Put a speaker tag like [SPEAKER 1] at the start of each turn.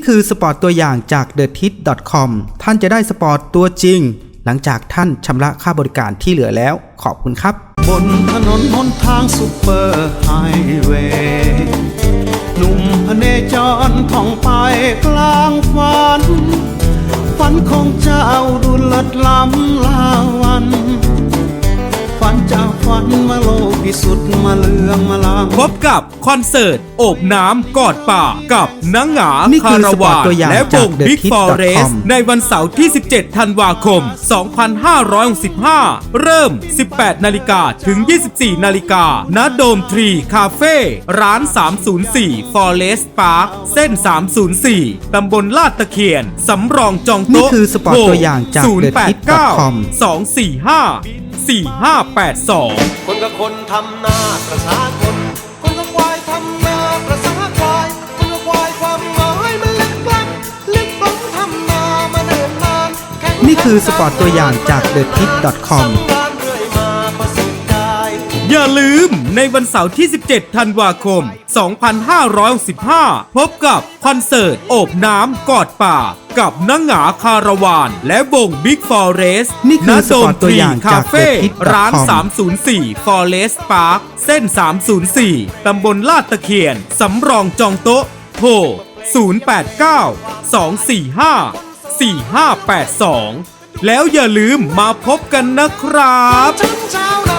[SPEAKER 1] คือสปอร์ตตัวอย่างจาก TheTit.com ท่านจะได้สปอร์ตตัวจริงหลังจากท่านชำระค่าบริการที่เหลือแล้วขอบคุณครับ
[SPEAKER 2] บนถนนหนทางซุปเปอร์ไฮเวย์หนุ่มพเนจรท่องไปกลางฝันของเจ้าดูเลิศล้ำลาวันฝันจากฝันมาโลกพิสุทธิ์มาเลืองมาลาง
[SPEAKER 3] พบกับคอนเสิร์ตโอบน้ำกอดป่ากับนังหงาคาราวานและวง Big Forest ในวันเสาร์ที่ 17 ธันวาคม 2565 เริ่ม 18 นาฬิกาถึง 24 นาฬิกาณโดมทรีคาเฟ่ร้าน 304 Forest Park เส้น 304 ตำบลลาดตะเคียนสำรองจองโต๊ะ
[SPEAKER 1] นี่คือสปอร์ตตัวอย่างจาก TheTit.com
[SPEAKER 3] 089-245-8582
[SPEAKER 2] คนกับคนทำนาประสาคนคนกับควายทำนาประสาควายคนกับควายความหมายมันลึกล้ำทำนามาเนิ่นนาน
[SPEAKER 1] นี่คือสปอร์ตตัวอย่างจาก TheTit.com
[SPEAKER 3] อย่าลืมในวันเสาร์ที่ 17 ธันวาคม 2565 พบกับคอนเสิร์ตโอบน้ำกอดป่ากับนังหงาคาราวานและวง Big Forest
[SPEAKER 1] นี่คือสปอร์ตตัวอย่างจาก TheTit.com
[SPEAKER 3] ร้าน 304 Forest Park เส้น 304 ตำบลลาดตะเคียนสำรองจองโต๊ะโทร 089-245-4582 แล้วอย่าลืมมาพบกันนะครับ